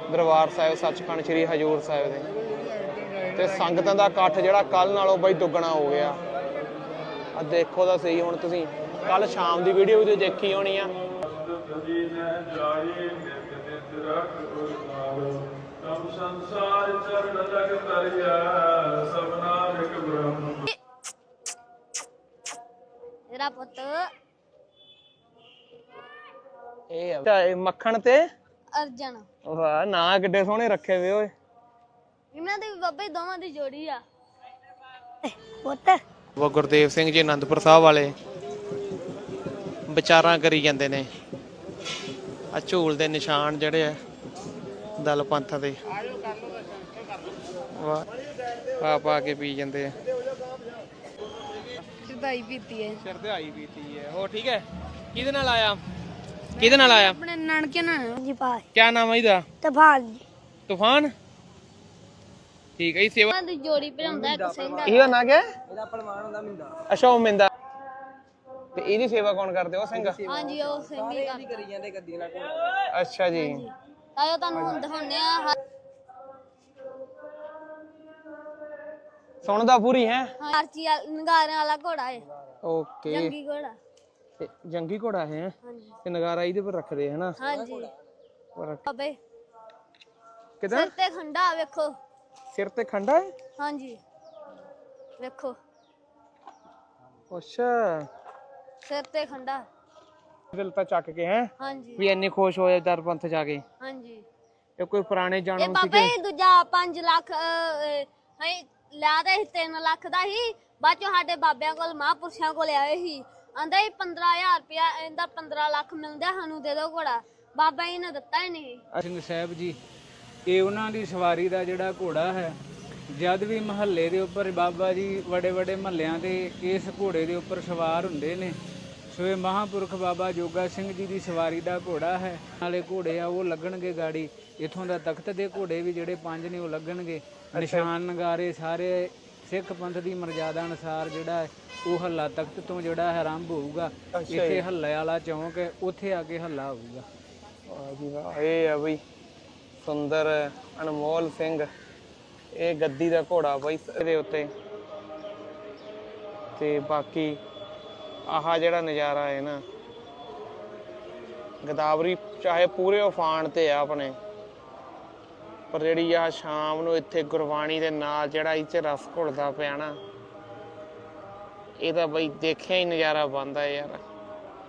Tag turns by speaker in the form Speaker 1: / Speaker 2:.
Speaker 1: दरबार साहिब सचखंड श्री हजूर साहिब दे ते संगतां दा इकट्ठ जिहड़ा कल नालों बई दुगना हो गया। आ देखो तो सही हुण तुसीं कल शाम की वीडियो भी देखी होनी आ।
Speaker 2: मेरा पुत
Speaker 1: मक्खण ते
Speaker 2: अर्जन
Speaker 1: वाह ना किड्डे सोहणे रखे वे ओए।
Speaker 2: इन्हां दे बाबे दोवां दी जोड़ी आ पुत।
Speaker 1: वो गुरदेव सिंह जी आनंदपुर साहब वाले विचारां करी जांदे ने। आ झूल दे निशान जिहड़े आ दल पंथ दे वाह पा के पी जांदे आ।
Speaker 2: शरदाई पीती है
Speaker 1: शरदाई पीती है। हो ठीक है किहदे नाल आया किहदे नाल आया
Speaker 2: अपने नानके नाल जी पास।
Speaker 1: क्या नाम है इहदा
Speaker 2: तूफान जी
Speaker 1: तूफान ठीक है। सेवा
Speaker 2: दी जोड़ी भरांदा एक सिंह
Speaker 1: ਇਹਦਾ ਨਾਂ ਕਿਆ ਇਹਦਾ ਪਹਿਲਵਾਨ ਹੁੰਦਾ ਮਿੰਦਾ। ਅੱਛਾ ਉਹ ਮਿੰਦਾ ਤੇ ਇਹਦੀ ਸੇਵਾ ਕੌਣ ਕਰਦੇ ਉਹ ਸਿੰਘ।
Speaker 2: ਹਾਂਜੀ ਉਹ ਸਿੰਘ ਹੀ
Speaker 1: ਕਰੀ ਜਾਂਦੇ ਗੱਦੀ ਨਾਲ ਕੋਲ। ਅੱਛਾ ਜੀ
Speaker 2: ਆਇਓ ਤੁਹਾਨੂੰ ਹੁਣ ਦਿਖਾਉਂਦੇ ਆ।
Speaker 1: ਸੁਣਦਾ ਪੂਰੀ ਹੈ
Speaker 2: ਆਰਚੀ ਨਗਾਰਿਆਂ ਵਾਲਾ ਘੋੜਾ ਹੈ।
Speaker 1: ਓਕੇ
Speaker 2: ਜੰਗੀ ਘੋੜਾ
Speaker 1: ਜੰਗੀ ਘੋੜਾ ਹੈ
Speaker 2: ਹਾਂਜੀ
Speaker 1: ਤੇ ਨਗਾਰਾ ਇਹਦੇ ਪਰ ਰੱਖਦੇ ਹੈ ਨਾ।
Speaker 2: ਹਾਂਜੀ ਬਾਬੇ
Speaker 1: ਕਿਦਾਂ
Speaker 2: ਸਿਰ ਤੇ ਖੰਡਾ ਵੇਖੋ
Speaker 1: ਸਿਰ ਤੇ ਖੰਡਾ ਹੈ।
Speaker 2: ਹਾਂਜੀ ਵੇਖੋ
Speaker 1: ਅੱਛਾ
Speaker 2: ਸਿਰ ਤੇ ਖੰਡਾ
Speaker 1: ਦਿਲ ਤਾਂ ਚੱਕ ਕੇ ਹੈ
Speaker 2: ਹਾਂਜੀ
Speaker 1: ਵੀ ਇੰਨੇ ਖੁਸ਼ ਹੋਏ ਦਰ ਪੰਥ ਜਾ ਕੇ।
Speaker 2: ਹਾਂਜੀ
Speaker 1: ਇਹ ਕੋਈ ਪੁਰਾਣੇ
Speaker 2: ਇਹ
Speaker 1: ਜਨਮ
Speaker 2: ਬਾਬੇ
Speaker 1: ਸੀਗੇ।
Speaker 2: ਦੂਜਾ 5 ਲੱਖ ਹੈ ਲਿਆ ਤੇ 3 ਲੱਖ ਦਾ ਹੀ ਬਾਅਦ ਚੋਂ ਸਾਡੇ ਬਾਬਿਆਂ ਕੋਲ ਮਹਾਂਪੁਰਸ਼ਾਂ ਕੋਲ ਆਏ ਸੀ ਆਂਦਾ 15000 ਰੁਪਇਆ ਇਹਦਾ 15 ਲੱਖ ਮਿਲਦਾ ਸਾਨੂੰ ਦੇ ਦਿਓ ਘੋੜਾ। ਬਾਬਾ ਜੀ ਨੇ ਦਿੱਤਾ ਹੀ ਨਹੀਂ।
Speaker 3: ਸਿੰਘ ਸਾਹਿਬ ਜੀ ਇਹ ਉਹਨਾਂ ਦੀ ਸਵਾਰੀ ਦਾ ਜਿਹੜਾ ਘੋੜਾ ਹੈ ਜਦ ਵੀ ਮਹੱਲੇ ਦੇ ਉੱਪਰ ਬਾਬਾ ਜੀ ਵੱਡੇ ਵੱਡੇ ਮਹੱਲਿਆਂ ਤੇ ਇਸ ਘੋੜੇ ਦੇ ਉੱਪਰ ਸਵਾਰ ਹੁੰਦੇ ਨੇ। ਸੋ ਇਹ ਮਹਾਂਪੁਰਖ ਬਾਬਾ ਜੋਗਾ ਸਿੰਘ ਜੀ ਦੀ ਸਵਾਰੀ ਦਾ ਘੋੜਾ ਹੈ। ਨਾਲੇ ਘੋੜੇ ਆ ਉਹ ਲੱਗਣਗੇ ਗਾੜੀ ਇਥੋਂ ਦਾ ਤਖਤ ਦੇ ਘੋੜੇ ਵੀ ਜਿਹੜੇ 5 ਨੇ ਉਹ ਲੱਗਣਗੇ। ਨਿਸ਼ਾਨ ਨਗਾਰੇ ਸਾਰੇ ਸਿੱਖ ਪੰਥ ਦੀ ਮਰਜ਼ਾਦਾ ਅਨੁਸਾਰ ਜਿਹੜਾ ਉਹ ਹੱਲਾ ਤਖਤ ਤੋਂ ਜਿਹੜਾ ਹੈ ਆਰੰਭ ਹੋਊਗਾ। ਇੱਥੇ ਹੱਲੇ ਵਾਲਾ ਚੌਂਕ ਹੈ ਉੱਥੇ ਆ ਕੇ ਹੱਲਾ ਹੋਊਗਾ।
Speaker 1: ਵਾਹ ਜੀ ਵਾਹ ਇਹ ਆ ਬਈ ਸੁੰਦਰ ਅਨਮੋਲ ਸਿੰਘ ਇਹ ਗੱਦੀ ਦਾ ਘੋੜਾ ਬਈ ਇਹਦੇ ਉੱਤੇ ਤੇ ਬਾਕੀ ਆਹ ਜਿਹੜਾ ਨਜ਼ਾਰਾ ਹੈ ਨਾ ਗੋਦਾਵਰੀ ਚਾਹੇ ਪੂਰੇ ਉਫਾਨ ਤੇ ਆ ਆਪਣੇ ਪਰ ਜਿਹੜੀ ਆ ਸ਼ਾਮ ਨੂੰ ਇੱਥੇ ਗੁਰਬਾਣੀ ਦੇ ਨਾਲ ਜਿਹੜਾ ਇਹ 'ਚ ਰਸ ਘੁਲਦਾ ਪਿਆ ਨਾ ਇਹ ਤਾਂ ਬਈ ਦੇਖਿਆ ਹੀ ਨਜ਼ਾਰਾ ਬਣਦਾ ਯਾਰ।